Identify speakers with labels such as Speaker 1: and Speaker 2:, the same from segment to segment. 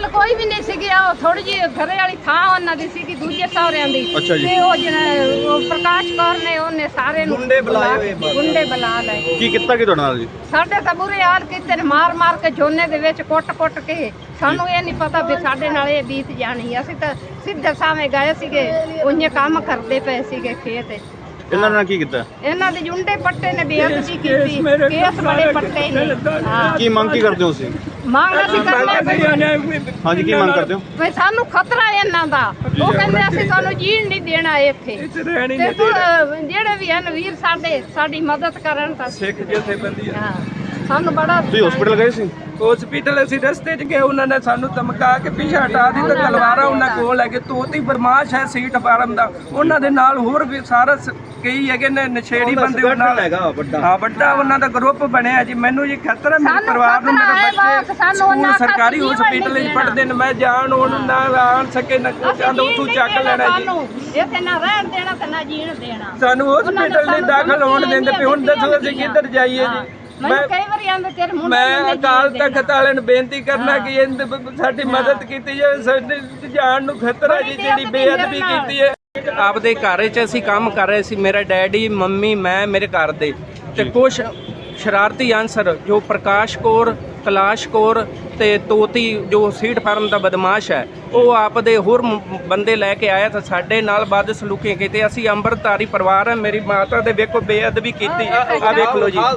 Speaker 1: ਕੋਈ ਵੀ ਨਹੀਂ ਸੀਗੀ, ਉਹ ਥੋੜੀ ਜਿਹੀ ਘਰੇ ਵਾਲੀ ਥਾਂ ਉਹਨਾਂ ਦੀ ਸੀਗੀ ਦੂਜੇ ਸਹੁਰਿਆਂ ਦੀ। ਤੇ ਉਹ ਪ੍ਰਕਾਸ਼ ਕੌਰ ਨੇ ਉਹਨੇ ਸਾਰੇ ਨੂੰ ਗੁੰਡੇ ਬੁਲਾ ਲਏ।
Speaker 2: ਕੀ ਕੀਤਾ ਕਿ ਤੁਹਾਡੇ ਨਾਲ ਜੀ?
Speaker 1: ਸਾਡੇ ਤਾਂ ਬੁਰੇ ਹਾਲ ਕੀਤੇ ਨੇ, ਮਾਰ ਕੇ ਝੋਨੇ ਦੇ ਵਿੱਚ ਕੁੱਟ ਕੇ। ਸਾਨੂੰ ਇਹ ਨਹੀਂ ਪਤਾ ਵੀ ਸਾਡੇ ਨਾਲ ਇਹ ਬੀਤ ਜਾਣੀ। ਅਸੀਂ ਤਾਂ ਸਿੱਧੇ ਸਾਵੇਂ ਗਏ ਸੀਗੇ, ਉਹਨੇ ਕੰਮ ਕਰਦੇ ਪਏ ਸੀਗੇ ਖੇਤ।
Speaker 2: ਇਹਨਾਂ ਨੇ ਕੀ ਕੀਤਾ?
Speaker 1: ਇਹਨਾਂ ਦੇ ਜੁੰਡੇ ਪੱਟੇ ਨੇ, ਬੇਅਦਬੀ ਕੀਤੀ, ਕੇਸ ਬੜੇ ਪੱਟੇ ਨੇ।
Speaker 2: ਕੀ ਮੰਗ ਕੀ ਕਰਦੇ ਹੋ ਤੁਸੀਂ?
Speaker 1: ਮੰਗ ਅਸੀਂ ਕਰਦੇ
Speaker 2: ਹਾਂਜੀ, ਕੀ ਮੰਗ ਕਰਦੇ ਹੋ?
Speaker 1: ਵੀ ਸਾਨੂੰ ਖਤਰਾ ਹੈ ਇਹਨਾਂ ਦਾ। ਉਹ ਕਹਿੰਦੇ ਅਸੀਂ ਤੁਹਾਨੂੰ ਜੀਣ ਨਹੀਂ ਦੇਣਾ ਇੱਥੇ। ਤੇ ਜਿਹੜੇ ਵੀ ਹਨ ਵੀਰ ਸਾਡੀ ਮਦਦ ਕਰਨ ਤਾਂ
Speaker 3: ਸਿੱਖ ਜਥੇਬੰਦੀ
Speaker 1: ਹਾਂ ਸਾਨੂੰ ਬੜਾ।
Speaker 2: ਤੁਸੀਂ ਹਸਪੀਟਲ ਗਏ ਸੀ?
Speaker 3: ਹਸਪੀਟਲ ਅਸੀਂ ਰਸਤੇ 'ਚ ਗਏ, ਉਹਨਾਂ ਨੇ ਸਾਨੂੰ ਧਮਕਾ ਕੇ ਪਿੱਛੇ ਹਟਾ ਦਿੱਤਾ। ਤਲਵਾਰਾਂ ਉਹਨਾਂ ਕੋਲ ਲੈ ਕੇ ਤੋਤੀ ਬਰਮਾਸ਼ ਹੈ ਸੀਟ ਫਾਰਮ ਦਾ। ਉਹਨਾਂ ਦੇ ਨਾਲ ਹੋਰ ਵੀ ਸਾਰਾ ਕਈ ਹੈਗੇ ਨੇ ਨਸ਼ੇੜੀ ਬੰਦੇ ਨਾਲ ਹੈਗਾ ਵੱਡਾ ਉਹਨਾਂ ਦਾ ਗਰੁੱਪ ਬਣਿਆ ਜੀ। ਮੈਨੂੰ ਜੀ ਖਤਰਾ ਮੇਰੇ ਪਰਿਵਾਰ ਨੂੰ, ਮੇਰੇ ਬੱਚੇ ਸਕੂਲ ਸਰਕਾਰੀ ਹਸਪੀਟਲ 'ਚ ਪੜ੍ਹਦੇ ਨੇ। ਮੈਂ ਜਾਣ ਉਹਨੂੰ ਨਾ ਆਣ ਸਕੇ ਨਾ ਕੁਝ ਆਂਦਾ ਉੱਥੋਂ ਚੱਕ ਲੈਣਾ ਜੀ।
Speaker 1: ਇੱਥੇ ਨਾ ਰਹਿਣ ਦੇਣਾ ਤੇ ਨਾ ਜੀਣ ਦੇਣਾ।
Speaker 3: ਸਾਨੂੰ ਹਸਪੀਟਲ ਨਹੀਂ ਦਾਖਲ ਹੋਣ ਦਿੰਦੇ ਪਏ। ਹੁਣ ਦੱਸੋ ਅਸੀਂ ਕਿੱਧਰ ਜਾਈਏ ਜੀ? ਮੈਂ ਅਕਾਲ ਤਖਤ ਵਾਲਿਆਂ ਨੂੰ ਬੇਨਤੀ ਕਰਨਾ ਕਿ ਸਾਡੀ ਮਦਦ ਕੀਤੀ ਜਾਵੇ। ਸਾਡੀ ਜਾਨ ਨੂੰ ਖਤਰਾ ਜੀ, ਜਿਹੜੀ ਬੇਅਦਬੀ ਕੀਤੀ ਹੈ। ਆਪਦੇ ਘਰ 'ਚ ਅਸੀਂ ਕੰਮ ਕਰ ਰਹੇ ਸੀ, ਮੇਰਾ ਡੈਡੀ, ਮੰਮੀ, ਮੈਂ, ਮੇਰੇ ਘਰ ਦੇ। ਤੇ ਕੁਛ ਸ਼ਰਾਰਤੀ ਅਨਸਰ ਜੋ ਪ੍ਰਕਾਸ਼ ਕੌਰ, ਕਲਾਸ਼ ਕੌਰ ਤੇ ਤੋਤੀ ਜੋ ਸੀਟ ਫਾਰਮ ਦਾ ਬਦਮਾਸ਼ ਹੈ, ਉਹ ਆਪਦੇ ਹੋਰ ਬੰਦੇ ਲੈ ਕੇ ਆਇਆ ਤਾਂ ਸਾਡੇ ਨਾਲ ਬਦ ਸਲੂਕੀ ਕੀਤੀ। ਅਸੀਂ ਅੰਮ੍ਰਿਤਧਾਰੀ ਪਰਿਵਾਰ ਹੈ। ਮੇਰੀ ਮਾਤਾ ਦੇ ਵੇਖੋ ਬੇਅਦਬੀ ਕੀਤੀ, ਆ ਵੇਖ ਲਓ ਜੀ।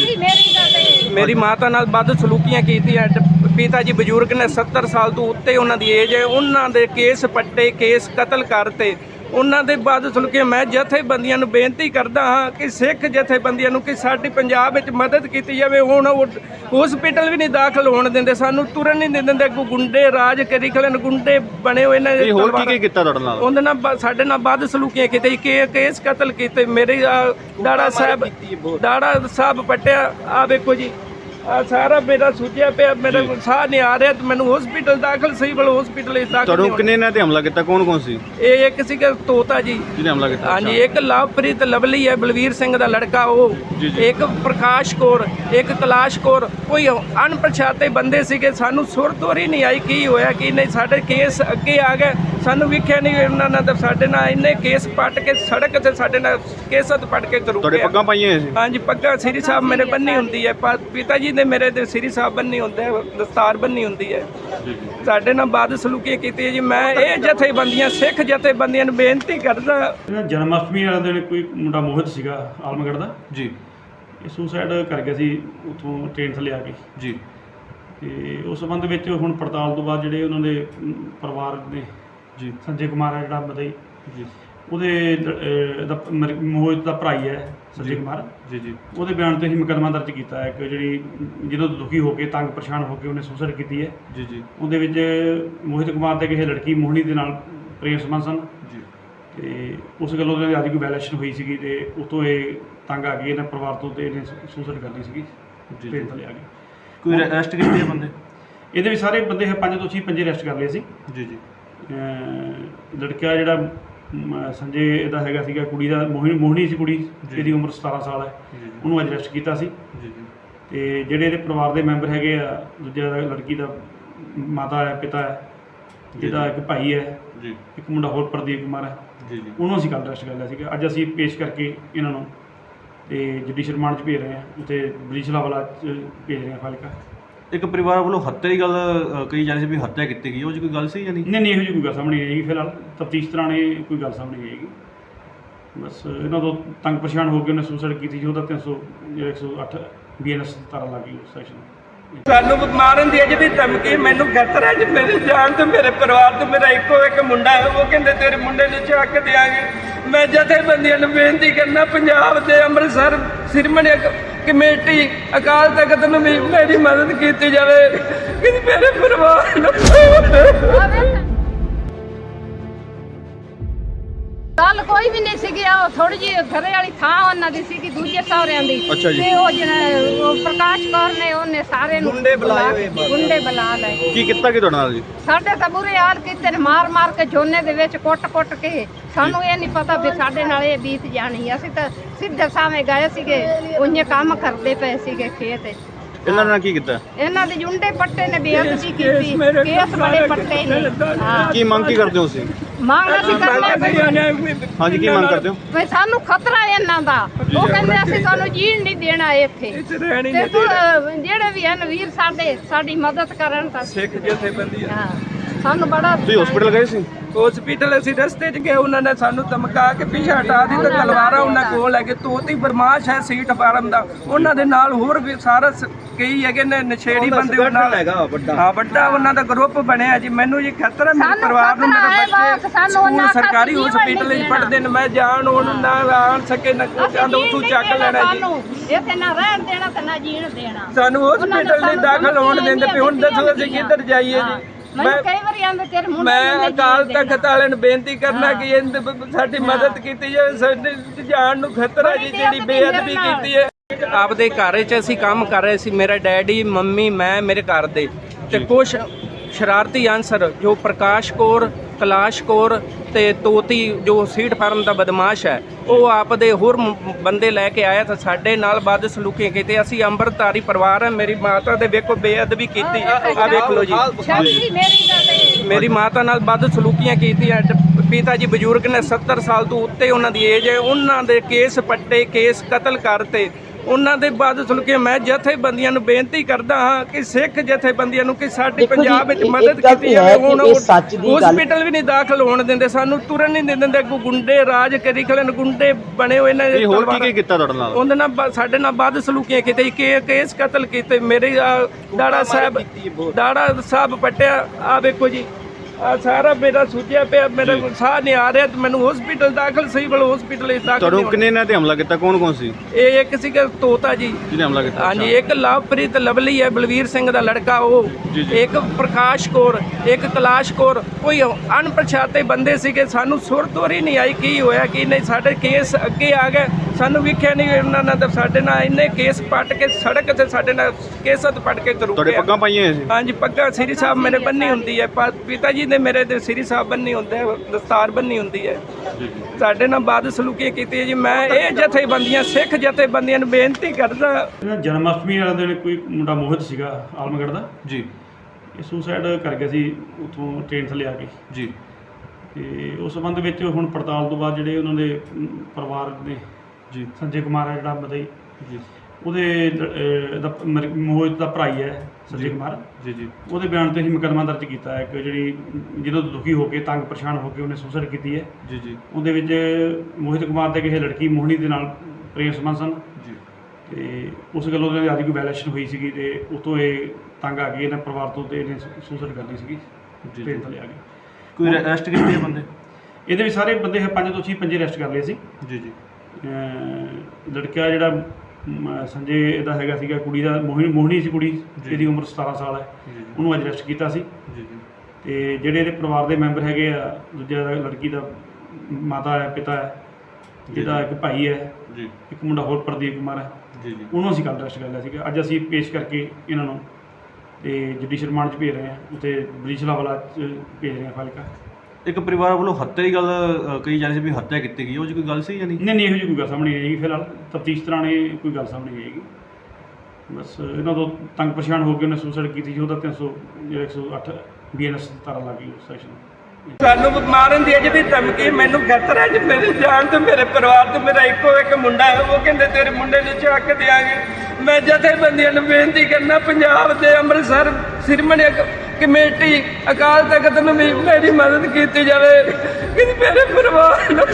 Speaker 3: ਮੇਰੀ ਮਾਤਾ ਨਾਲ ਬਦ ਸਲੂਕੀਆਂ ਕੀਤੀਆਂ। ਪਿਤਾ ਜੀ ਬਜ਼ੁਰਗ ਨੇ, 70 ਸਾਲ ਤੋਂ ਉੱਤੇ ਉਹਨਾਂ ਦੀ ਏਜ ਹੈ। ਉਹਨਾਂ ਦੇ ਕੇਸ ਪੱਟੇ, ਕੇਸ ਕਤਲ ਕਰਤੇ। ਉਹਨਾਂ ਦੇ ਬਾਅਦ ਸੁਲਕੇ ਮੈਂ ਜਥੇਬੰਦੀਆਂ ਨੂੰ ਬੇਨਤੀ ਕਰਦਾ ਹਾਂ ਕਿ ਸਿੱਖ ਜਥੇਬੰਦੀਆਂ ਨੂੰ ਕਿ ਸਾਡੀ ਪੰਜਾਬ ਵਿੱਚ ਮਦਦ ਕੀਤੀ ਜਾਵੇ। ਹੁਣ ਹਸਪੀਟਲ ਵੀ ਨਹੀਂ ਦਾਖਲ ਹੋਣ ਦਿੰਦੇ, ਸਾਨੂੰ ਤੁਰਨ ਨਹੀਂ ਦਿੰਦੇ। ਗੁੰਡੇ ਰਾਜ ਕਰੀ ਖਲੇ, ਗੁੰਡੇ ਬਣੇ ਹੋਏ ਨੇ।
Speaker 2: ਹੋਰ ਕੀ ਕੀਤਾ ਤੁਹਾਡੇ ਨਾਲ?
Speaker 3: ਉਹਦੇ ਨਾਲ ਸਾਡੇ ਨਾਲ ਵੱਧ ਸਲੂਕੀਆਂ ਕੀਤੇ, ਕੇਸ ਕਤਲ ਕੀਤੇ। ਮੇਰੇ ਦਾੜਾ ਸਾਹਿਬ ਪੱਟਿਆ। ਆ ਵੇਖੋ ਜੀ, ਸਾਰਾ ਮੇਰਾ ਸੁੱਜਿਆ ਪਿਆ, ਮੇਰਾ ਸਾਹ ਨਹੀਂ ਆ ਰਿਹਾ ਤੇ ਮੈਨੂੰ ਹਸਪੀਟਲ ਦਾਖਲ ਸਿਵਲ ਹਸਪੀਟਲ ਵਿੱਚ ਦਾਖਲ।
Speaker 2: ਤੁਹਾਨੂੰ ਕਿੰਨੇ ਨੇ ਤੇ ਹਮਲਾ ਕੀਤਾ? ਕੌਣ ਸੀ?
Speaker 3: ਇਹ ਇੱਕ ਸੀਗਾ ਤੋਤਾ ਜੀ
Speaker 2: ਜਿਹਨੇ ਹਮਲਾ ਕੀਤਾ।
Speaker 3: ਹਾਂਜੀ, ਇੱਕ ਲਵਪ੍ਰੀਤ ਲਵਲੀ ਹੈ, ਬਲਵੀਰ ਸਿੰਘ ਦਾ ਲੜਕਾ ਉਹ। ਇੱਕ ਪ੍ਰਕਾਸ਼ ਕੌਰ, ਇੱਕ ਕਲਾਸ਼ ਕੌਰ। ਕੋਈ ਅਣਪਛਾਤੇ ਬੰਦੇ ਸੀਗੇ। ਸਾਨੂੰ ਸੁਰਤੋਰੀ ਨਹੀਂ ਆਈ ਕੀ ਹੋਇਆ ਕੀ ਨਹੀਂ। ਸਾਡੇ ਕੇਸ ਅੱਗੇ ਆ ਗਏ, ਸਾਨੂੰ ਵਿਖਿਆ ਨਹੀਂ। ਉਹਨਾਂ ਨੇ ਤਾਂ ਸਾਡੇ ਨਾਲ ਇੰਨੇ ਕੇਸ ਪੱਟ ਕੇ ਸੜਕ ਤੇ ਸਾਡੇ ਨਾਲ ਕੇਸਤ ਪੱਟ ਕੇ ਕਰੂ।
Speaker 2: ਤੁਹਾਡੇ ਪੱਗਾਂ ਪਾਈਆਂ ਸੀ?
Speaker 3: ਹਾਂਜੀ, ਪੱਗਾਂ ਸ੍ਰੀ ਸਾਹਿਬ ਮੇਰੇ ਬੰਨੀ ਹੁੰਦੀ ਹੈ। ਪਿਤਾ ਜੀ ਦੇ ਮੇਰੇ ਤੇ ਸ੍ਰੀ ਸਾਹਿਬ ਬੰਨੀ ਹੁੰਦੇ, ਦਸਤਾਰ ਬੰਨੀ ਹੁੰਦੀ ਹੈ। ਸਾਡੇ ਨਾਲ ਬਾਦ ਸਲੂਕੀ ਕੀਤੀ ਹੈ ਜੀ। ਮੈਂ ਇਹ ਜਥੇਬੰਦੀਆਂ, ਸਿੱਖ ਜਥੇਬੰਦੀਆਂ ਨੂੰ ਬੇਨਤੀ ਕਰਦਾ।
Speaker 4: ਜਨਮ ਅਸ਼ਟਮੀ ਵਾਲੇ ਦਿਨ ਕੋਈ ਮੁੰਡਾ ਮੋਹਿਤ ਸੀਗਾ ਆਲਮਗੜ੍ਹ ਦਾ
Speaker 2: ਜੀ,
Speaker 4: ਇਹ ਸੁਸਾਈਡ ਕਰ ਗਿਆ ਸੀ ਉੱਥੋਂ ਟ੍ਰੇਨ ਥੱਲੇ ਆ ਕੇ
Speaker 2: ਜੀ।
Speaker 4: ਤੇ ਉਸ ਸੰਬੰਧ ਵਿੱਚ ਹੁਣ ਪੜਤਾਲ ਤੋਂ ਬਾਅਦ ਜਿਹੜੇ ਉਹਨਾਂ ਦੇ ਪਰਿਵਾਰ ਨੇ
Speaker 2: ਜੀ,
Speaker 4: ਸੰਜੇ ਕੁਮਾਰ ਹੈ ਜਿਹੜਾ ਮਤਲਬ
Speaker 2: ਜੀ,
Speaker 4: ਉਹਦੇ ਮੋਹਿਤ ਦਾ ਭਰਾ ਹੀ ਹੈ ਸੰਜੇ ਕੁਮਾਰ
Speaker 2: ਜੀ, ਜੀ।
Speaker 4: ਉਹਦੇ ਬਿਆਨ ਤੇ ਹੀ ਮੁਕੱਦਮਾ ਦਰਜ ਕੀਤਾ ਹੈ ਕਿ ਜਿਹੜੀ ਜਦੋਂ ਦੁਖੀ ਹੋ ਕੇ ਤੰਗ ਪਰੇਸ਼ਾਨ ਹੋ ਕੇ ਉਹਨੇ ਸੁਸਾਈਡ ਕੀਤੀ ਹੈ।
Speaker 2: ਜੀ, ਜੀ।
Speaker 4: ਉਹਦੇ ਵਿੱਚ ਮੋਹਿਤ ਕੁਮਾਰ ਦੇ ਕਿਸੇ ਲੜਕੀ ਮੋਹਣੀ ਦੇ ਨਾਲ ਪ੍ਰੇਮ ਸੰਬੰਧ ਸਨ
Speaker 2: ਜੀ।
Speaker 4: ਤੇ ਉਸ ਗੱਲੋਂ ਉਹਦੇ ਅੱਜ ਕੋਈ ਵਾਇਲੇਸ਼ਨ ਹੋਈ ਸੀਗੀ ਤੇ ਉਤੋਂ ਇਹ ਤੰਗ ਆ ਗਈ ਇਹਨਾਂ ਪਰਿਵਾਰ ਤੋਂ ਤੇ ਇਹਨੇ ਸੁਸਾਈਡ ਕਰ ਲਈ ਸੀਗੀ। ਟ੍ਰੇਨ ਥੱਲੇ ਆ ਗਈ।
Speaker 2: ਕੋਈ ਅਰੈਸਟ ਕੀਤੇ ਬੰਦੇ?
Speaker 4: ਇਹਦੇ ਵਿੱਚ ਸਾਰੇ ਬੰਦੇ 5 ਤੋਂ 5 ਅਰੈਸਟ ਕਰ ਲਏ ਸੀ।
Speaker 2: ਜੀ, ਜੀ।
Speaker 4: ਲੜਕਾ ਜਿਹੜਾ ਸੰਜੇ ਇਹਦਾ ਹੈਗਾ ਸੀਗਾ, ਕੁੜੀ ਦਾ ਮੋਹਣੀ ਸੀ ਕੁੜੀ, ਜਿਹਦੀ ਉਮਰ 17 ਸਾਲ ਹੈ, ਉਹਨੂੰ ਅੱਜ ਅਰੈਸਟ ਕੀਤਾ ਸੀ।
Speaker 2: ਜੀ, ਜੀ।
Speaker 4: ਤੇ ਜਿਹੜੇ ਇਹਦੇ ਪਰਿਵਾਰ ਦੇ ਮੈਂਬਰ ਹੈਗੇ ਆ, ਦੂਜਾ ਲੜਕੀ ਦਾ ਮਾਤਾ ਹੈ, ਪਿਤਾ ਹੈ, ਜਿਹਦਾ ਇੱਕ ਭਾਈ ਹੈ,
Speaker 2: ਜੀ।
Speaker 4: ਇੱਕ ਮੁੰਡਾ ਹੋਰ ਪ੍ਰਦੀਪ ਕੁਮਾਰ ਹੈ,
Speaker 2: ਜੀ, ਜੀ।
Speaker 4: ਉਹਨੂੰ ਅਸੀਂ ਕੱਲ੍ਹ ਅਰੈਸਟ ਕਰ ਲਿਆ ਸੀਗਾ। ਅੱਜ ਅਸੀਂ ਪੇਸ਼ ਕਰਕੇ ਇਹਨਾਂ ਨੂੰ ਤੇ ਜੁਡੀਸ਼ੀਅਲ ਰਿਮਾਂਡ 'ਚ ਭੇਜ ਰਹੇ ਹਾਂ, ਉੱਥੇ ਬਰੀਸ਼ਲਾਵਾਲਾ 'ਚ ਭੇਜ ਰਹੇ ਹਾਂ ਫਾਜ਼ਿਲਕਾ।
Speaker 2: ਇੱਕ ਪਰਿਵਾਰ ਵੱਲੋਂ ਹੱਤਿਆ ਦੀ ਗੱਲ ਕਹੀ ਜਾ ਰਹੀ ਸੀ ਵੀ ਹੱਤਿਆ ਕੀਤੀ ਗਈ, ਉਹ 'ਚ ਕੋਈ ਗੱਲ ਸੀ ਜਾਂ ਨਹੀਂ?
Speaker 4: ਨਹੀਂ, ਇਹੋ ਜਿਹੀ ਕੋਈ ਗੱਲ ਸਾਹਮਣੇ ਨਹੀਂ ਆਏਗੀ। ਫਿਲਹਾਲ ਤਫਤੀਸ਼ ਦੌਰਾਨ ਕੋਈ ਗੱਲ ਸਾਹਮਣੇ ਨਹੀਂ ਆਏਗੀ। ਬਸ ਇਹਨਾਂ ਤੋਂ ਤੰਗ ਪਰੇਸ਼ਾਨ ਹੋ ਕੇ ਉਹਨੇ ਸੁਸਾਈਡ ਕੀਤੀ ਸੀ। ਉਹਦਾ 108 BNS ਧਾਰਾ ਲੱਗ ਗਈ ਉਸ ਸੈਕਸ਼ਨ।
Speaker 3: ਸਾਨੂੰ ਮਾਰਨ ਦੀ ਅਜੇ ਵੀ ਧਮਕੀ, ਮੈਨੂੰ ਖਤਰਾ ਜੀ ਮੇਰੀ ਜਾਨ ਤੇ ਮੇਰੇ ਪਰਿਵਾਰ ਤੋਂ। ਮੇਰਾ ਇੱਕੋ ਇੱਕ ਮੁੰਡਾ ਹੈ, ਉਹ ਕਹਿੰਦੇ ਤੇਰੇ ਮੁੰਡੇ ਨੂੰ ਚੱਕ ਦਿਆਂਗੇ। ਮੈਂ ਜਥੇਬੰਦੀਆਂ ਨੂੰ ਬੇਨਤੀ ਕਰਨਾ, ਪੰਜਾਬ ਦੇ ਅੰਮ੍ਰਿਤਸਰ ਸ਼੍ਰੋਮਣੀ ਕਮੇਟੀ ਅਕਾਲ ਤਖਤ ਨੂੰ ਵੀ ਮੇਰੀ ਮਦਦ ਕੀਤੀ ਜਾਵੇ ਕਿ ਮੇਰੇ ਪਰਿਵਾਰ ਨੂੰ।
Speaker 1: ਗੱਲ ਕੋਈ ਵੀ ਨਹੀਂ ਸੀਗੀ, ਉਹ ਥੋੜੀ ਜਿਹੀ ਘਰੇ ਵਾਲੀ ਥਾਂ ਉਹਨਾਂ ਦੀ ਸੀਗੀ ਦੂਜੇ ਸਹੁਰਿਆਂ ਦੀ। ਤੇ ਉਹ ਪ੍ਰਕਾਸ਼ ਕੌਰ ਨੇ ਉਹਨੇ ਸਾਰੇ ਨੂੰ ਗੁੰਡੇ ਬੁਲਾ ਲਏ।
Speaker 2: ਕੀ ਕੀਤਾ ਕਿ ਤੁਹਾਡੇ ਨਾਲ ਜੀ?
Speaker 1: ਸਾਡੇ ਤਾਂ ਬੁਰੇ ਹਾਲ ਕੀਤੇ ਨੇ, ਮਾਰ ਕੇ ਝੋਨੇ ਦੇ ਵਿੱਚ ਕੁੱਟ ਕੇ। ਸਾਨੂੰ ਇਹ ਨਹੀਂ ਪਤਾ ਵੀ ਸਾਡੇ ਨਾਲ ਇਹ ਬੀਤ ਜਾਣੀ। ਅਸੀਂ ਤਾਂ ਸਿੱਧੇ ਸਾਵੇਂ ਗਏ ਸੀਗੇ, ਉਹਨੇ ਕੰਮ ਕਰਦੇ ਪਏ ਸੀਗੇ ਖੇਤ।
Speaker 2: ਇਹਨਾਂ ਨੇ ਕੀ ਕੀਤਾ?
Speaker 1: ਇਹਨਾਂ ਦੇ ਜੁੰਡੇ ਪੱਟੇ ਨੇ ਬੇਅਦਬੀ ਕੀਤੀ, ਕੇਸ ਬੜੇ ਪੱਟੇ ਨੇ। ਹਾਂ,
Speaker 2: ਕੀ ਮੰਗ ਕੀ ਕਰਦੇ ਹੋ ਤੁਸੀਂ?
Speaker 1: ਮੰਗ ਅਸੀਂ ਕਰਦੇ
Speaker 2: ਹਾਂਜੀ, ਕੀ ਮੰਗ ਕਰਦੇ ਹੋ?
Speaker 1: ਵੀ ਸਾਨੂੰ ਖਤਰਾ ਹੈ ਇਹਨਾਂ ਦਾ। ਉਹ ਕਹਿੰਦੇ ਅਸੀਂ ਤੁਹਾਨੂੰ ਜੀਣ ਨਹੀਂ ਦੇਣਾ ਇੱਥੇ। ਤੇ ਤੂੰ ਜਿਹੜੇ ਵੀ ਹਨ ਵੀਰ ਸਾਡੇ, ਸਾਡੀ ਮਦਦ ਕਰਨ ਤਾਂ
Speaker 3: ਸਿੱਖ ਜਥੇਬੰਦੀ ਆ।
Speaker 1: ਹਾਂ, ਸਾਨੂੰ ਬੜਾ
Speaker 2: ਤੁਸੀਂ ਹਸਪੀਟਲ ਗਏ ਸੀ?
Speaker 3: ਹਸਪੀਟਲ ਅਸੀਂ ਰਸਤੇ 'ਚ ਗਏ, ਉਹਨਾਂ ਨੇ ਸਾਨੂੰ ਧਮਕਾ ਕੇ ਪਿੱਛੇ ਹਟਾ ਦਿੱਤਾ। ਤਲਵਾਰਾਂ ਉਹਨਾਂ ਕੋਲ ਲੈ ਕੇ ਤੋਤੀ ਬਰਮਾਸ਼ ਹੈ ਸੀਟ ਫਾਰਮ ਦਾ, ਉਹਨਾਂ ਦੇ ਨਾਲ ਹੋਰ ਵੀ ਸਾਰਾ ਕਈ ਹੈਗੇ ਨੇ ਨਸ਼ੇੜੀ ਬੰਦੇ ਉਹਨਾਂ ਨਾਲ ਹੈਗਾ ਵੱਡਾ। ਹਾਂ, ਵੱਡਾ ਉਹਨਾਂ ਦਾ ਗਰੁੱਪ ਬਣਿਆ ਜੀ। ਮੈਨੂੰ ਜੀ ਖਤਰਾ ਮੇਰੇ ਪਰਿਵਾਰ ਨੂੰ, ਮੇਰੇ ਬੱਚੇ ਸਕੂਲ ਸਰਕਾਰੀ ਹਸਪੀਟਲ 'ਚ ਪੜ੍ਹਦੇ ਨੇ। ਮੈਂ ਜਾਣ ਉਹਨੂੰ ਨਾ ਆਣ ਸਕੇ ਨਾ ਕੁਛ ਆਂਦਾ ਉੱਥੋਂ ਚੱਕ ਲੈਣਾ ਜੀ।
Speaker 1: ਇੱਥੇ ਨਾ ਰਹਿਣ ਦੇਣਾ ਤੇ ਨਾ ਜੀਣ ਦੇਣਾ।
Speaker 3: ਸਾਨੂੰ ਹਸਪੀਟਲ ਨਹੀਂ ਦਾਖਲ ਹੋਣ ਦਿੰਦੇ ਪਏ। ਹੁਣ ਦੱਸੋ ਅਸੀਂ ਕਿੱਧਰ ਜਾਈਏ ਜੀ?
Speaker 1: ਮੈਂ ਕਈ ਵਾਰੀ ਆਂਦੇ ਤੇਰੇ ਮੁੰਡੇ
Speaker 3: ਮੈਂ ਅਕਾਲ ਤਖਤ ਵਾਲਿਆਂ ਨੂੰ ਬੇਨਤੀ ਕਰਨਾ ਕਿ ਸਾਡੀ ਮਦਦ ਕੀਤੀ ਜਾਵੇ। ਸਾਡੇ ਜਾਨ ਨੂੰ ਖਤਰਾ ਜੀ, ਜਿਹੜੀ ਬੇਅਦਬੀ ਕੀਤੀ ਹੈ। ਆਪਦੇ ਘਰ 'ਚ ਅਸੀਂ ਕੰਮ ਕਰ ਰਹੇ ਸੀ, ਮੇਰਾ ਡੈਡੀ, ਮੰਮੀ, ਮੈਂ, ਮੇਰੇ ਘਰ ਦੇ ਤੇ ਕੁਛ ਸ਼ਰਾਰਤੀ ਅਨਸਰ ਜੋ ਪ੍ਰਕਾਸ਼ ਕੌਰ, ਕਲਾਸ਼ ਕੌਰ ਤੇ ਤੋਤੀ ਜੋ ਸੀਟ ਫਾਰਮ ਦਾ ਬਦਮਾਸ਼ ਹੈ, ਉਹ ਆਪਦੇ ਹੋਰ ਬੰਦੇ ਲੈ ਕੇ ਆਇਆ ਤਾਂ ਸਾਡੇ ਨਾਲ ਬਦ ਸਲੂਕੀ ਕੀਤੀ। ਅਸੀਂ ਅੰਮ੍ਰਿਤਧਾਰੀ ਪਰਿਵਾਰ ਹੈ। ਮੇਰੀ ਮਾਤਾ ਦੇ ਵੇਖੋ ਬੇਅਦਬੀ ਕੀਤੀ, ਆ ਵੇਖ ਲਓ ਜੀ। ਮੇਰੀ ਮਾਤਾ ਨਾਲ ਬਦ ਸਲੂਕੀਆਂ ਕੀਤੀਆਂ। ਪਿਤਾ ਜੀ ਬਜ਼ੁਰਗ ਨੇ, 70 ਸਾਲ ਤੋਂ ਉੱਤੇ ਉਹਨਾਂ ਦੀ ਏਜ ਹੈ। ਉਹਨਾਂ ਦੇ ਕੇਸ ਪੱਟੇ, ਕੇਸ ਕਤਲ ਕਰਤੇ। ਉਹਨਾਂ ਦੇ ਬਾਅਦ ਸੁਣ ਕੇ ਮੈਂ ਜਥੇਬੰਦੀਆਂ ਨੂੰ ਬੇਨਤੀ ਕਰਦਾ ਹਾਂ ਕਿ ਸਿੱਖ ਜਥੇਬੰਦੀਆਂ ਨੂੰ ਕਿ ਸਾਡੀ ਪੰਜਾਬ ਵਿੱਚ ਮਦਦ ਕੀਤੀ ਜਾਵੇ। ਹੁਣ ਹਸਪੀਟਲ ਵੀ ਨਹੀਂ ਦਾਖਲ ਹੋਣ ਦਿੰਦੇ, ਸਾਨੂੰ ਤੁਰਨ ਨਹੀਂ ਦਿੰਦੇ। ਗੁੰਡੇ ਰਾਜ ਕਰੀ ਖਲੇ, ਗੁੰਡੇ ਬਣੇ ਹੋਏ ਨੇ।
Speaker 2: ਹੋਰ ਕੀ ਕੀਤਾ ਤੁਹਾਡੇ ਨਾਲ?
Speaker 3: ਉਹਦੇ ਨਾਲ ਸਾਡੇ ਨਾਲ ਵੱਧ ਸਲੂਕੀਆਂ ਕੀਤੇ, ਕੇਸ ਕਤਲ ਕੀਤੇ। ਮੇਰੇ ਦਾੜਾ ਸਾਹਿਬ ਪੱਟਿਆ। ਆ ਵੇਖੋ ਜੀ, ਆ ਸਾਰਾ ਮੇਰਾ ਸੁੱਜਿਆ ਪਿਆ, ਮੇਰਾ ਸਾਹ ਨਹੀਂ ਆ ਰਿਹਾ ਤੇ ਮੈਨੂੰ ਹਸਪੀਟਲ ਦਾਖਲ, ਸਿਵਲ ਹਸਪੀਟਲ ਵਿੱਚ ਦਾਖਲ।
Speaker 2: ਤੁਹਾਨੂੰ ਕਿੰਨੇ ਨੇ ਤੇ ਹਮਲਾ ਕੀਤਾ? ਕੌਣ ਸੀ?
Speaker 3: ਇਹ ਇੱਕ ਸੀਗਾ ਤੋਤਾ ਜੀ
Speaker 2: ਜਿਹਨੇ ਹਮਲਾ ਕੀਤਾ।
Speaker 3: ਹਾਂਜੀ, ਇੱਕ ਲਵਪ੍ਰੀਤ ਲਵਲੀ ਹੈ, ਬਲਵੀਰ ਸਿੰਘ ਦਾ ਲੜਕਾ ਉਹ, ਇੱਕ ਪ੍ਰਕਾਸ਼ ਕੌਰ, ਇੱਕ ਕਲਾਸ਼ ਕੌਰ। ਕੋਈ ਅਣਪਛਾਤੇ ਬੰਦੇ ਸੀਗੇ। ਸਾਨੂੰ ਸੁਰਤੋਰੀ ਨਹੀਂ ਆਈ ਕੀ ਹੋਇਆ ਕੀ ਨਹੀਂ। ਸਾਡੇ ਕੇਸ ਅੱਗੇ ਆ ਗਏ, ਸਾਨੂੰ ਵੇਖਿਆ ਨਹੀਂ ਉਹਨਾਂ ਨੇ ਤਾਂ ਸਾਡੇ ਨਾਲ ਇੰਨੇ ਕੇਸ ਪੱਟ ਕੇ ਸੜਕ ਤੇ ਸਾਡੇ ਨਾਲ ਕੇਸਤ ਪੱਟ ਕੇ ਤੁਰ
Speaker 2: ਤੁਹਾਡੇ
Speaker 3: ਗਏ।
Speaker 2: ਪੱਗਾਂ ਪਾਈਆਂ ਹੋਈਆਂ ਸੀ?
Speaker 3: ਹਾਂਜੀ, ਪੱਗਾਂ ਸ੍ਰੀ ਸਾਹਿਬ ਮੇਰੇ ਬੰਨੀ ਹੁੰਦੀ ਹੈ। ਪਿਤਾ ਜੀ ਨੇ ਮੇਰੇ ਦੇ ਸ੍ਰੀ ਸਾਹਿਬ ਬੰਨੀ ਹੁੰਦੇ, ਦਸਤਾਰ ਬੰਨੀ ਹੁੰਦੀ ਹੈ। ਸਾਡੇ ਨਾਲ ਬਾਦ ਸਲੂਕੀ ਕੀਤੀ ਜੀ। ਮੈਂ ਇਹ ਜਥੇਬੰਦੀਆਂ, ਸਿੱਖ ਜਥੇਬੰਦੀਆਂ ਨੂੰ ਬੇਨਤੀ ਕਰਦਾ।
Speaker 4: ਜਨਮ ਅਸ਼ਟਮੀ ਵਾਲੇ ਦਿਨ ਕੋਈ ਮੁੰਡਾ ਮੋਹਿਤ ਸੀਗਾ ਆਲਮਗੜ੍ਹ ਦਾ
Speaker 2: ਜੀ,
Speaker 4: ਇਹ ਸੁਸਾਈਡ ਕਰ ਗਿਆ ਸੀ ਉੱਥੋਂ ਟ੍ਰੇਨ ਥੱਲੇ ਆ ਕੇ
Speaker 2: ਜੀ।
Speaker 4: ਤੇ ਉਸ ਸੰਬੰਧ ਵਿੱਚ ਹੁਣ ਪੜਤਾਲ ਤੋਂ ਬਾਅਦ ਜਿਹੜੇ ਉਹਨਾਂ ਦੇ ਪਰਿਵਾਰ ਦੇ
Speaker 2: ਜੀ,
Speaker 4: ਸੰਜੇ ਕੁਮਾਰ ਹੈ ਜਿਹੜਾ ਮਤਲਬ
Speaker 2: ਜੀ,
Speaker 4: ਉਹਦੇ ਮੋਹਿਤ ਦਾ ਭਰਾ ਹੀ ਹੈ ਸੰਜੇ ਕੁਮਾਰ
Speaker 2: ਜੀ, ਜੀ।
Speaker 4: ਉਹਦੇ ਬਿਆਨ ਤੇ ਹੀ ਮੁਕੱਦਮਾ ਦਰਜ ਕੀਤਾ ਹੈ ਕਿ ਜਿਹੜੀ ਜਦੋਂ ਦੁਖੀ ਹੋ ਕੇ ਤੰਗ ਪਰੇਸ਼ਾਨ ਹੋ ਕੇ ਉਹਨੇ ਸੁਸਾਈਡ ਕੀਤੀ ਹੈ।
Speaker 2: ਜੀ, ਜੀ,
Speaker 4: ਉਹਦੇ ਵਿੱਚ ਮੋਹਿਤ ਕੁਮਾਰ ਦੇ ਕਿਸੇ ਲੜਕੀ ਮੋਹਣੀ ਦੇ ਨਾਲ ਪ੍ਰੇਮ ਸੰਬੰਧ ਸਨ
Speaker 2: ਜੀ।
Speaker 4: ਤੇ ਉਸ ਗੱਲੋਂ ਉਹਦੇ ਆਦੀ ਕੋਈ ਵਾਇਲੇਸ਼ਨ ਹੋਈ ਸੀਗੀ ਤੇ ਉਤੋਂ ਇਹ ਤੰਗ ਆ ਗਈ ਇਹਨਾਂ ਪਰਿਵਾਰ ਤੋਂ ਤੇ ਇਹਨੇ ਸੁਸਾਈਡ ਕਰਨੀ ਸੀਗੀ,
Speaker 2: ਜੀ।
Speaker 4: ਟ੍ਰੇਨ ਥੱਲੇ ਆ ਗਈ।
Speaker 2: ਕੋਈ ਅਰੈਸਟ ਕੀਤੇ ਬੰਦੇ?
Speaker 4: ਇਹਦੇ ਵਿੱਚ ਸਾਰੇ ਬੰਦੇ 5 ਤੋਂ 6 ਅਰੈਸਟ ਕਰ ਲਏ ਸੀ।
Speaker 2: ਜੀ, ਜੀ।
Speaker 4: ਲੜਕਾ ਜਿਹੜਾ ਸੰਜੇ ਇਹਦਾ ਹੈਗਾ ਸੀਗਾ, ਕੁੜੀ ਦਾ ਮੋਹਣੀ ਸੀ ਕੁੜੀ, ਜਿਹਦੀ ਉਮਰ 17 ਸਾਲ ਹੈ, ਉਹਨੂੰ ਅੱਜ ਅਰੈਸਟ ਕੀਤਾ ਸੀ।
Speaker 2: ਜੀ, ਜੀ।
Speaker 4: ਤੇ ਜਿਹੜੇ ਇਹਦੇ ਪਰਿਵਾਰ ਦੇ ਮੈਂਬਰ ਹੈਗੇ ਆ, ਦੂਜਾ ਲੜਕੀ ਦਾ ਮਾਤਾ ਹੈ, ਪਿਤਾ ਹੈ, ਜਿਹਦਾ ਇੱਕ ਭਾਈ ਹੈ,
Speaker 2: ਜੀ,
Speaker 4: ਇੱਕ ਮੁੰਡਾ ਹੋਰ ਪ੍ਰਦੀਪ ਕੁਮਾਰ ਹੈ,
Speaker 2: ਜੀ, ਜੀ।
Speaker 4: ਉਹਨੂੰ ਅਸੀਂ ਕੱਲ੍ਹ ਅਰੈਸਟ ਕਰ ਲਿਆ ਸੀਗਾ। ਅੱਜ ਅਸੀਂ ਪੇਸ਼ ਕਰਕੇ ਇਹਨਾਂ ਨੂੰ ਤੇ ਜੁਡੀਸ਼ੀਅਲ ਰਿਮਾਂਡ 'ਚ ਭੇਜ ਰਹੇ ਹਾਂ, ਉੱਥੇ ਬਰੀਸ਼ਲਾ ਵਾਲਾ 'ਚ ਭੇਜ ਰਹੇ ਹਾਂ ਫਾਜ਼ਿਲਕਾ।
Speaker 2: ਇੱਕ ਪਰਿਵਾਰ ਵੱਲੋਂ ਹੱਤਿਆ ਦੀ ਗੱਲ ਕਹੀ ਜਾ ਰਹੀ ਸੀ ਵੀ ਹੱਤਿਆ ਕੀਤੀ ਗਈ, ਉਹ 'ਚ ਕੋਈ ਗੱਲ ਸੀ ਜਾਂ ਨਹੀਂ?
Speaker 4: ਨਹੀਂ, ਇਹੋ ਜਿਹੀ ਕੋਈ ਗੱਲ ਸਾਹਮਣੇ ਨਹੀਂ ਆਏਗੀ। ਫਿਲਹਾਲ ਤਫਤੀਸ਼ ਦੌਰਾਨ ਇਹ ਕੋਈ ਗੱਲ ਸਾਹਮਣੇ ਨਹੀਂ ਆਏਗੀ। ਬਸ ਇਹਨਾਂ ਤੋਂ ਤੰਗ ਪਰੇਸ਼ਾਨ ਹੋ ਕੇ ਉਹਨੇ ਸੁਸਾਈਡ ਕੀਤੀ ਸੀ। ਉਹਦਾ 108 BNS ਧਾਰਾ ਲੱਗ ਗਈ ਉਸ ਸੈਕਸ਼ਨ।
Speaker 3: ਸਾਨੂੰ ਮਾਰਨ ਦੀ ਅਜੇ ਵੀ ਧਮਕੀ, ਮੈਨੂੰ ਖਤਰਾ ਜੀ। ਮੇਰੀ ਜਾਨ ਤੇ ਮੇਰੇ ਪਰਿਵਾਰ ਤੇ ਮੇਰਾ ਇੱਕੋ ਇੱਕ ਮੁੰਡਾ ਹੈ। ਉਹ ਕਹਿੰਦੇ ਤੇਰੇ ਮੁੰਡੇ ਨੂੰ ਚੱਕ ਦਿਆਂਗੇ। ਮੈਂ ਜਥੇਬੰਦੀਆਂ ਨੂੰ ਬੇਨਤੀ ਕਰਨਾ, ਪੰਜਾਬ ਦੇ ਅੰਮ੍ਰਿਤਸਰ ਸਿਰਮਣੀ ਕਮੇਟੀ, ਅਕਾਲ ਤਖਤ ਨੂੰ ਵੀ ਮੇਰੀ ਮਦਦ ਕੀਤੀ ਜਾਵੇ ਕਿ ਮੇਰੇ ਪਰਿਵਾਰ ਨੂੰ।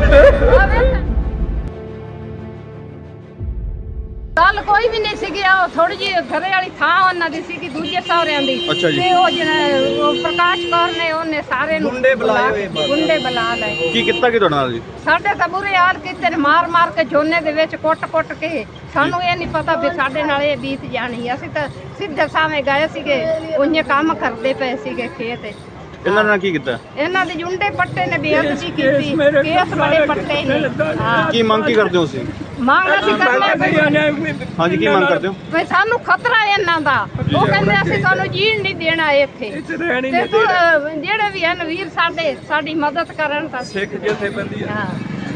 Speaker 1: ਗੱਲ ਕੋਈ ਵੀ ਨਹੀਂ ਸੀਗੀ। ਉਹ ਥੋੜੀ ਜਿਹੀ ਘਰੇ ਵਾਲੀ ਥਾਂ ਉਹਨਾਂ ਦੀ ਸੀਗੀ, ਦੂਜੇ ਸਹੁਰਿਆਂ ਦੀ।
Speaker 2: ਅੱਛਾ ਜੀ।
Speaker 1: ਤੇ ਉਹ ਜਿਹੜਾ ਉਹ ਪ੍ਰਕਾਸ਼ ਕੌਰ ਨੇ ਉਹਨੇ ਸਾਰੇ ਨੂੰ ਗੁੰਡੇ ਬੁਲਾ ਲਏ।
Speaker 2: ਕੀ ਕੀਤਾ ਕਿ ਤੁਹਾਡੇ ਨਾਲ ਜੀ?
Speaker 1: ਸਾਡੇ ਤਾਂ ਬੁਰੇ ਹਾਲ ਕੀਤੇ ਨੇ, ਮਾਰ ਕੇ ਝੋਨੇ ਦੇ ਵਿੱਚ ਕੁੱਟ ਕੇ। ਸਾਨੂੰ ਇਹ ਨਹੀਂ ਪਤਾ ਵੀ ਸਾਡੇ ਨਾਲ ਇਹ ਬੀਤ ਜਾਣੀ। ਅਸੀਂ ਤਾਂ ਸਿੱਧੇ ਸਾਵੇਂ ਗਏ ਸੀਗੇ, ਉਹਨੇ ਕੰਮ ਕਰਦੇ ਪਏ ਸੀਗੇ ਖੇਤ।
Speaker 2: ਇਹਨਾਂ ਨੇ ਕੀ ਕੀਤਾ?
Speaker 1: ਇਹਨਾਂ ਦੇ ਜੁੰਡੇ ਪੱਟੇ ਨੇ ਬੇਅਦਬੀ ਕੀਤੀ, ਕੇਸ ਬੜੇ ਪੱਟੇ ਨੇ। ਹਾਂ,
Speaker 2: ਕੀ ਮੰਗ ਕੀ ਕਰਦੇ ਹੋ ਤੁਸੀਂ?
Speaker 1: ਮੰਗ ਅਸੀਂ ਕਰਦੇ
Speaker 2: ਹਾਂਜੀ, ਕੀ ਮੰਗ ਕਰਦੇ ਹੋ?
Speaker 1: ਵੀ ਸਾਨੂੰ ਖਤਰਾ ਹੈ ਇਹਨਾਂ ਦਾ। ਉਹ ਕਹਿੰਦੇ ਅਸੀਂ ਤੁਹਾਨੂੰ ਜੀਣ ਨਹੀਂ ਦੇਣਾ ਇੱਥੇ। ਤੇ ਤੂੰ ਜਿਹੜੇ ਵੀ ਹਨ ਵੀਰ ਸਾਡੇ, ਸਾਡੀ ਮਦਦ ਕਰਨ ਤਾਂ
Speaker 3: ਸਿੱਖ ਜਥੇਬੰਦੀ
Speaker 1: ਹਾਂ,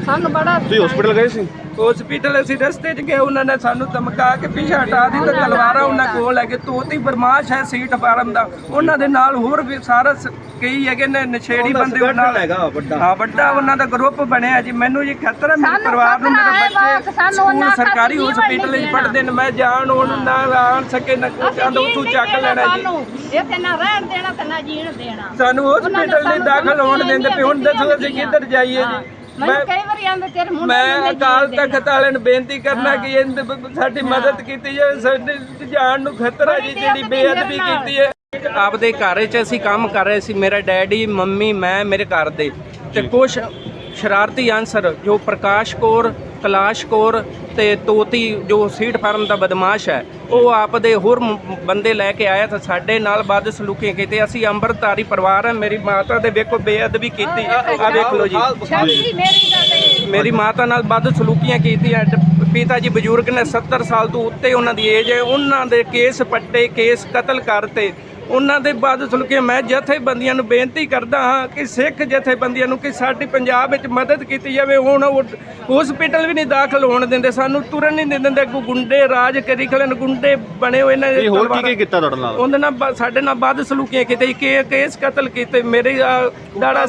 Speaker 1: ਸਾਨੂੰ ਬੜਾ
Speaker 2: ਤੁਸੀਂ ਹਸਪੀਟਲ ਗਏ ਸੀ?
Speaker 3: ਹਸਪੀਟਲ ਅਸੀਂ ਰਸਤੇ 'ਚ ਗਏ, ਉਹਨਾਂ ਨੇ ਸਾਨੂੰ ਧਮਕਾ ਕੇ ਪਿੱਛੇ ਹਟਾ ਦਿੱਤਾ। ਤਲਵਾਰਾਂ ਉਹਨਾਂ ਕੋਲ ਹੈਗੇ, ਤੋਤੀ ਬਰਮਾਸ਼ ਹੈ ਸੀਟ ਫਾਰਮ ਦਾ, ਉਹਨਾਂ ਦੇ ਨਾਲ ਹੋਰ ਵੀ ਸਾਰਾ ਕਈ ਹੈਗੇ ਨੇ ਨਸ਼ੇੜੀ ਬੰਦੇ ਉਹਨਾਂ ਨਾਲ ਹੈਗਾ ਵੱਡਾ ਉਹਨਾਂ ਦਾ ਗਰੁੱਪ ਬਣਿਆ ਜੀ। ਮੈਨੂੰ ਜੀ ਖਤਰਾ ਮੇਰੇ ਪਰਿਵਾਰ ਨੂੰ, ਮੇਰੇ ਬੱਚੇ ਸਕੂਲ ਸਰਕਾਰੀ ਹਸਪੀਟਲ 'ਚ ਪੜ੍ਹਦੇ ਨੇ, ਮੈਂ ਜਾਣ ਉਹਨੂੰ ਨਾ ਆਣ ਸਕੇ ਨਾ ਕੁਛ ਆਂਦਾ ਉੱਥੋਂ ਚੱਕ ਲੈਣਾ ਜੀ।
Speaker 1: ਇੱਥੇ ਨਾ ਰਹਿਣ ਦੇਣਾ ਤੇ ਨਾ ਜੀਣ ਦੇਣਾ,
Speaker 3: ਸਾਨੂੰ ਹਸਪੀਟਲ ਨਹੀਂ ਦਾਖਲ ਹੋਣ ਦਿੰਦੇ ਪਏ। ਹੁਣ ਦੱਸੋ ਅਸੀਂ ਕਿੱਧਰ ਜਾਈਏ ਜੀ।
Speaker 1: ਮੈਂ ਕਈ ਵਾਰੀ ਆਂਦੇ ਤੇਰੇ ਮੁੰਡੇ
Speaker 3: ਮੈਂ ਅਕਾਲ ਤਖਤ ਵਾਲਿਆਂ ਨੂੰ ਬੇਨਤੀ ਕਰਨਾ ਕਿ ਸਾਡੀ ਮਦਦ ਕੀਤੀ ਜਾਵੇ, ਸਾਡੇ ਜਾਨ ਨੂੰ ਖਤਰਾ ਜੀ, ਜਿਹੜੀ ਬੇਅਦਬੀ ਕੀਤੀ ਹੈ। ਆਪਦੇ ਘਰ 'ਚ ਅਸੀਂ ਕੰਮ ਕਰ ਰਹੇ ਸੀ, ਮੇਰਾ ਡੈਡੀ, ਮੰਮੀ, ਮੈਂ, ਮੇਰੇ ਘਰ ਦੇ, ਤੇ ਕੁਛ ਸ਼ਰਾਰਤੀ ਅਨਸਰ ਜੋ ਪ੍ਰਕਾਸ਼ ਕੌਰ, ਕਲਾਸ਼ ਕੌਰ ਤੇ ਤੋਤੀ ਜੋ ਸੀਟ ਫਾਰਮ ਦਾ ਬਦਮਾਸ਼ ਹੈ, ਉਹ ਆਪਦੇ ਹੋਰ ਬੰਦੇ ਲੈ ਕੇ ਆਇਆ ਤਾਂ ਸਾਡੇ ਨਾਲ ਬਦ ਸਲੂਕੀ ਕੀਤੀ। ਅਸੀਂ ਅੰਮ੍ਰਿਤਧਾਰੀ ਪਰਿਵਾਰ ਹੈ, ਮੇਰੀ ਮਾਤਾ ਦੇ ਵੇਖੋ ਬੇਅਦਬੀ ਕੀਤੀ, ਆ ਵੇਖ ਲਓ ਜੀ, ਮੇਰੀ ਮਾਤਾ ਨਾਲ ਬਦ ਸਲੂਕੀਆਂ ਕੀਤੀਆਂ। ਪਿਤਾ ਜੀ ਬਜ਼ੁਰਗ ਨੇ, 70 ਸਾਲ ਤੋਂ ਉੱਤੇ ਉਹਨਾਂ ਦੀ ਏਜ ਹੈ, ਉਹਨਾਂ ਦੇ ਕੇਸ ਪੱਟੇ, ਕੇਸ ਕਤਲ ਕਰਤੇ, ਉਹਨਾਂ ਦੇ ਬਾਅਦ ਸੁਲਕੇ। ਮੈਂ ਜਥੇਬੰਦੀਆਂ ਨੂੰ ਬੇਨਤੀ ਕਰਦਾ ਹਾਂ ਕਿ ਸਿੱਖ ਜਥੇਬੰਦੀਆਂ ਨੂੰ ਕਿ ਸਾਡੀ ਪੰਜਾਬ ਵਿੱਚ ਮਦਦ ਕੀਤੀ ਜਾਵੇ। ਹੁਣ ਹਸਪੀਟਲ ਵੀ ਨਹੀਂ ਦਾਖਲ ਹੋਣ ਦਿੰਦੇ, ਸਾਨੂੰ ਤੁਰਨ ਨਹੀਂ ਦਿੰਦੇ, ਗੁੰਡੇ ਰਾਜ ਕਰੀ ਖਲੇ ਨੇ, ਗੁੰਡੇ ਬਣੇ ਹੋਏ ਨੇ।
Speaker 2: ਹੋਰ ਕੀ ਕੀਤਾ ਤੁਹਾਡੇ ਨਾਲ?
Speaker 3: ਉਹਦੇ ਨਾਲ ਸਾਡੇ ਨਾਲ ਵੱਧ ਸਲੂਕੀਆਂ ਕੀਤੇ, ਕੇਸ ਕਤਲ ਕੀਤੇ। ਮੇਰੇ ਦਾੜਾ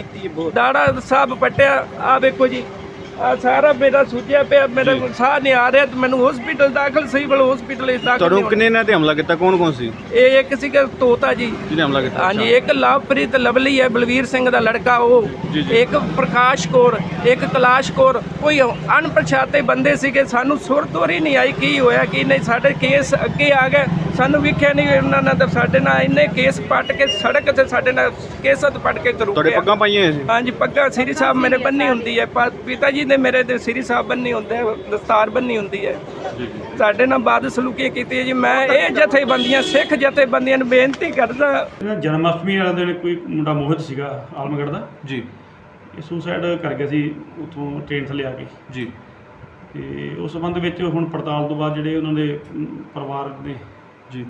Speaker 3: ਸਾਹਿਬ ਪੱਟਿਆ, ਆ ਵੇਖੋ ਜੀ, ਆ ਸਾਰਾ ਮੇਰਾ ਸੁੱਜਿਆ ਪਿਆ, ਮੇਰਾ ਸਾਹ ਨਹੀਂ ਆ ਰਿਹਾ, ਮੈਨੂੰ ਹਸਪੀਟਲ ਦਾਖਲ, ਸਿਵਲ ਹਸਪੀਟਲ ਵਿੱਚ ਦਾਖਲ।
Speaker 2: ਤੁਹਾਨੂੰ ਕਿੰਨੇ ਨੇ ਤੇ ਹਮਲਾ ਕੀਤਾ? ਕੌਣ ਸੀ?
Speaker 3: ਇਹ ਇੱਕ ਸੀਗਾ ਤੋਤਾ ਜੀ
Speaker 2: ਜਿਹਨੇ ਹਮਲਾ ਕੀਤਾ।
Speaker 3: ਹਾਂਜੀ, ਇੱਕ ਲਵਪ੍ਰੀਤ ਲਵਲੀ ਹੈ, ਬਲਵੀਰ ਸਿੰਘ ਦਾ ਲੜਕਾ, ਉਹ ਇੱਕ ਪ੍ਰਕਾਸ਼ ਕੌਰ, ਇੱਕ ਕਲਾਸ਼ ਕੌਰ, ਕੋਈ ਅਣਪਛਾਤੇ ਬੰਦੇ ਸੀਗੇ। ਸਾਨੂੰ ਸੁਰਤੋਰੀ ਨਹੀਂ ਆਈ ਕੀ ਹੋਇਆ ਕੀ ਨਹੀਂ। ਸਾਡੇ ਕੇਸ ਅੱਗੇ ਆ ਗਏ, ਸਾਨੂੰ ਵੇਖਿਆ ਨਹੀਂ ਉਹਨਾਂ ਨੇ ਤਾਂ ਸਾਡੇ ਨਾਲ ਇੰਨੇ ਕੇਸ ਪੱਟ ਕੇ ਸੜਕ ਤੇ ਸਾਡੇ ਨਾਲ ਕੇਸਤ ਪੱਟ ਕੇ ਤੁਰ
Speaker 2: ਤੁਹਾਡੇ
Speaker 3: ਗਏ।
Speaker 2: ਪੱਗਾਂ ਪਾਈਆਂ ਸੀ?
Speaker 3: ਹਾਂਜੀ, ਪੱਗਾਂ ਸ੍ਰੀ ਸਾਹਿਬ ਮੇਰੇ ਬੰਨੀ ਹੁੰਦੀ ਹੈ, ਪਿਤਾ ਜੀ ਨੇ ਮੇਰੇ ਤੇ ਸ੍ਰੀ ਸਾਹਿਬ ਬੰਨੀ ਹੁੰਦੇ, ਦਸਤਾਰ ਬੰਨੀ ਹੁੰਦੀ ਹੈ। ਸਾਡੇ ਨਾਲ ਬਾਦ ਸਲੂਕੀ ਕੀਤੀ ਹੈ ਜੀ। ਮੈਂ ਇਹ ਜਥੇਬੰਦੀਆਂ, ਸਿੱਖ ਜਥੇਬੰਦੀਆਂ ਨੂੰ ਬੇਨਤੀ ਕਰਦਾ।
Speaker 4: ਜਨਮ ਅਸ਼ਟਮੀ ਵਾਲੇ ਦਿਨ ਕੋਈ ਮੁੰਡਾ ਮੋਹਿਤ ਸੀਗਾ ਆਲਮਗੜ੍ਹ ਦਾ
Speaker 2: ਜੀ,
Speaker 4: ਇਹ ਸੁਸਾਈਡ ਕਰ ਗਿਆ ਸੀ ਉੱਥੋਂ ਟ੍ਰੇਨ ਥੱਲੇ ਆ ਕੇ
Speaker 2: ਜੀ।
Speaker 4: ਤੇ ਉਸ ਸੰਬੰਧ ਵਿੱਚ ਹੁਣ ਪੜਤਾਲ ਤੋਂ ਬਾਅਦ ਜਿਹੜੇ ਉਹਨਾਂ ਦੇ ਪਰਿਵਾਰ ਨੇ